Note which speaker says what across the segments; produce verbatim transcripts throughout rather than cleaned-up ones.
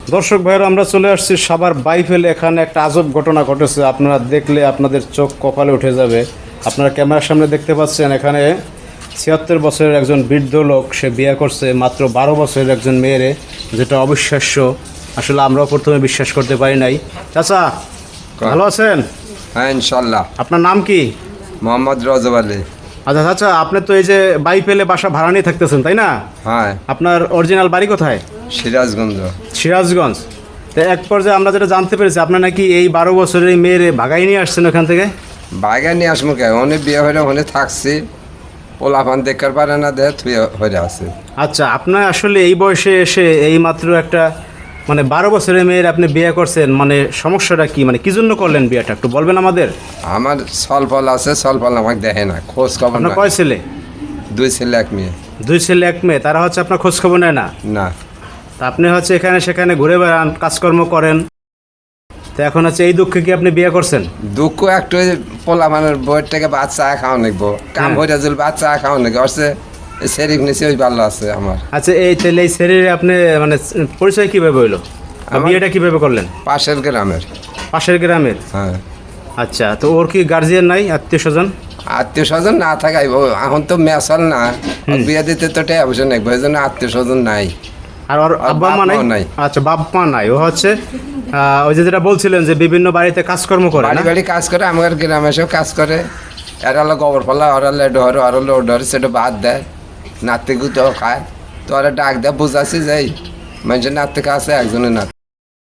Speaker 1: দর্শক ভাইয়েরা, আমরা চলে আসছি সাভার বাইফেল। এখানে একটা আজব ঘটনা ঘটেছে, আপনারা দেখলে আপনাদের চোখ কপালে উঠে যাবে। আপনারা ক্যামেরার সামনে দেখতে পাচ্ছেন, এখানে ছিয়াত্তর বছরের একজন বৃদ্ধ লোক, সে বিয়ে করছে মাত্র বারো বছরের একজন মেয়েরে, যেটা অবিশ্বাস্য। আসলে আমরাও প্রথমে বিশ্বাস করতে পারি নাই। চাচা ভালো আছেন?
Speaker 2: হ্যাঁ ইনশাল্লাহ।
Speaker 1: আপনার নাম কি?
Speaker 2: মোহাম্মদ রজব আলী।
Speaker 1: আচ্ছা চাচা, আপনি তো এই যে বাইফেলে বাসা ভাড়া নিয়ে থাকতেছেন, তাই না?
Speaker 2: হ্যাঁ।
Speaker 1: আপনার অরিজিনাল বাড়ি কোথায়?
Speaker 2: সিরাজগঞ্জ।
Speaker 1: সিরাজগঞ্জ। তো এক পর্যায়ে আমরা যেটা জানতে পেরেছি, আপনার নাকি এই বারো বছরের মেয়ের ভাগাই নিয়ে আসছেন ওখান থেকে।
Speaker 2: বাইরে নিয়ে আসবো কে, অনেক বিয়ে হয়ে ওখানে থাকছি, পোলাপান দেখার পারে না, দেখ তুই হয়ে আছে।
Speaker 1: আচ্ছা, আপনার আসলে এই বয়সে এসে এই মাত্র একটা মানে বারো বছরের মেয়ের আপনি বিয়ে করছেন, মানে সমস্যাটা কি, মানে কি জন্য করলেন বিয়েটা একটু বলবেন আমাদের?
Speaker 2: আমার সলফল আছে, সলফল আমাকে দেখে না, খোঁজ খবর
Speaker 1: আপনার
Speaker 2: না।
Speaker 1: কয় ছেলে?
Speaker 2: দুই ছেলে এক মেয়ে।
Speaker 1: দুই ছেলে এক মেয়ে, তারা হচ্ছে আপনার খোঁজ খবর নেয় না?
Speaker 2: না।
Speaker 1: তা আপনি হচ্ছে এখানে সেখানে ঘুরে বেড়ান, কাজকর্ম করেন, তো এখন হচ্ছে এই দুঃখে কি আপনি বিয়ে করছেন?
Speaker 2: দুঃখ একটু পোলাপানের বইয়ের থেকে বাচ্চা খাওয়া নেবো, কাম হয়ে যাল বাচ্চা খাওয়া নেবো, আসছে সেরিক নিচে ওই ভালো আছে আমার।
Speaker 1: আচ্ছা, এই তাহলে এই শরীরে আপনি মানে পরিচয় কিভাবে হইলো, বিয়েটা কিভাবে করলেন?
Speaker 2: পাশের গ্রামের।
Speaker 1: পাশের গ্রামের?
Speaker 2: হ্যাঁ।
Speaker 1: আচ্ছা, তো ওর কি গার্জিয়ান নাই, আত্মীয় স্বজন?
Speaker 2: আত্মীয় স্বজন না থাকাই, এখন তো মেসাল না, বিয়ে দিতে তো টাকা পয়সা নেই, ওই জন্য আত্মীয় স্বজন নাই।
Speaker 1: আর ওর আব্বা মা নাই? আচ্ছা, বাপ মা নাই। ও হচ্ছে ওই যে যেটা বলছিলেন যে বিভিন্ন বাড়িতে কাজকর্ম করে,
Speaker 2: বাড়ি বাড়ি কাজ করে, আমার গ্রামে এসেও কাজ করে। এরা হলো গোবর ফলা, ওরা হলো ডর, ওরা হলো ডর, সেটা বাদ দেয়, নাতি গুতো খায়। তো ওরা ডাক দেয়, বুঝাচ্ছি যাই মানুষের নাতি কাছে একজনের নাতি।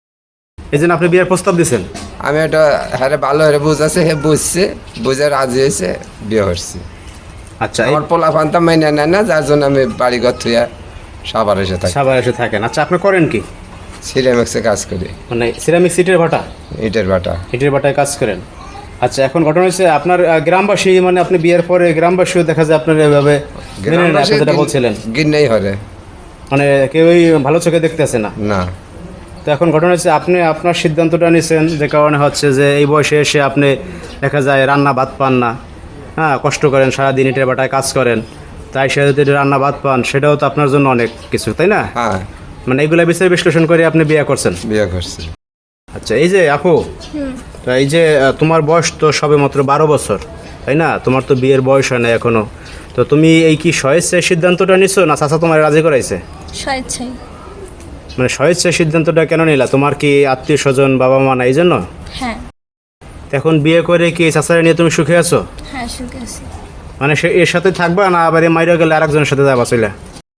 Speaker 1: এই জন্য আপনি বিয়ের প্রস্তাব দিচ্ছেন?
Speaker 2: আমি এটা হ্যাঁ ভালো হয়ে বুঝাচ্ছি, হে বুঝছে, বুঝে রাজি হয়েছে, বিয়ে করছি।
Speaker 1: আচ্ছা,
Speaker 2: আমার পোলা ফান্তা মাইনে নেয় না, যার জন্য আমি বাড়ি ঘর থুয়ে সবার এসে থাকি।
Speaker 1: সবার এসে থাকেন। আচ্ছা, আপনি করেন কি?
Speaker 2: সিরামিক্সে কাজ করি।
Speaker 1: মানে সিরামিক সিটের ভাটা?
Speaker 2: ইটের ভাটা।
Speaker 1: ইটের ভাটায় কাজ করেন। আচ্ছা, এখন ঘটনা হচ্ছে আপনার গ্রামবাসী, মানে আপনি বিয়ের পরে গ্রামবাসীও দেখা যায় আপনার এভাবে মেনে নেয়, আপনি যেটা বলছিলেন,
Speaker 2: গিন্নেই হরে,
Speaker 1: মানে কেউই ভালো চোখে দেখতেছে না।
Speaker 2: না।
Speaker 1: তো এখন ঘটনা হচ্ছে আপনি আপনার সিদ্ধান্তটা নিয়েছেন, যে কারণে হচ্ছে যে এই বয়সে এসে আপনি দেখা যায় রান্না ভাত পান না, হ্যাঁ, কষ্ট করেন সারাদিন ইটের ভাটায় কাজ করেন, তাই সে যদি রান্না ভাত পান সেটাও তো আপনার জন্য অনেক কিছু, তাই না?
Speaker 2: হ্যাঁ।
Speaker 1: মানে এইগুলা বিচার বিশ্লেষণ করে আপনি বিয়ে করছেন?
Speaker 2: বিয়ে করছি।
Speaker 1: আচ্ছা, এই যে আপু, তো এই যে তোমার বয়স তো সবে মাত্র বারো বছর, তাই না? তোমার তো বিয়ের বয়স হয় না এখনো, তো তুমি এই কি স্বেচ্ছায় সিদ্ধান্তটা নিছো, না চাচা তোমার রাজি করাইছে?
Speaker 3: স্বেচ্ছায়।
Speaker 1: মানে স্বেচ্ছায় সিদ্ধান্তটা কেন নিলা? তোমার কি আত্মীয় স্বজন বাবা মা না এই জন্য?
Speaker 3: হ্যাঁ।
Speaker 1: এখন বিয়ে করে কি চাচারা নিয়ে তুমি সুখে আছো?
Speaker 3: হ্যাঁ, সুখে আছি।
Speaker 1: মানে সে এর সাথে থাকবা, না আবার এই মাইরা গেলে আরেকজনের সাথে যাবা চলে?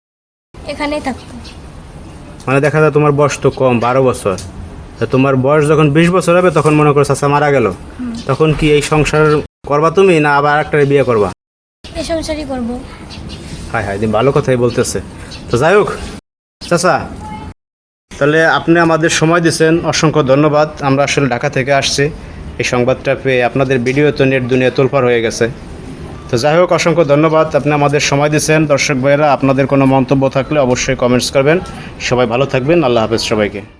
Speaker 3: এখানেই থাকবো।
Speaker 1: মানে দেখা যায় তোমার বয়স তো কম, বারো বছর, তো তোমার বয়স যখন বিশ বছর হবে তখন মনে করো চাচা মারা গেল, তখন কি এই সংসার করবা তুমি, না আবার একটা বিয়ে করবা?
Speaker 3: এই সংসারই করবো।
Speaker 1: হ্যাঁ হ্যাঁ, দিন ভালো কথাই বলতেছে। তো যাই হোক চাচা, তাহলে আপনি আমাদের সময় দিচ্ছেন, অসংখ্য ধন্যবাদ। আমরা আসলে ঢাকা থেকে আসছি, এই সংবাদটা পেয়ে আপনাদের ভিডিও তো নেট দুনিয়া তোলপাড় হয়ে গেছে। তো যাই হোক, অসংখ্য ধন্যবাদ, আপনি আমাদের সময় দিচ্ছেন। দর্শক ভাইয়েরা, আপনাদের কোনো মন্তব্য থাকলে অবশ্যই কমেন্টস করবেন। সবাই ভালো থাকবেন, আল্লাহ হাফেজ সবাইকে।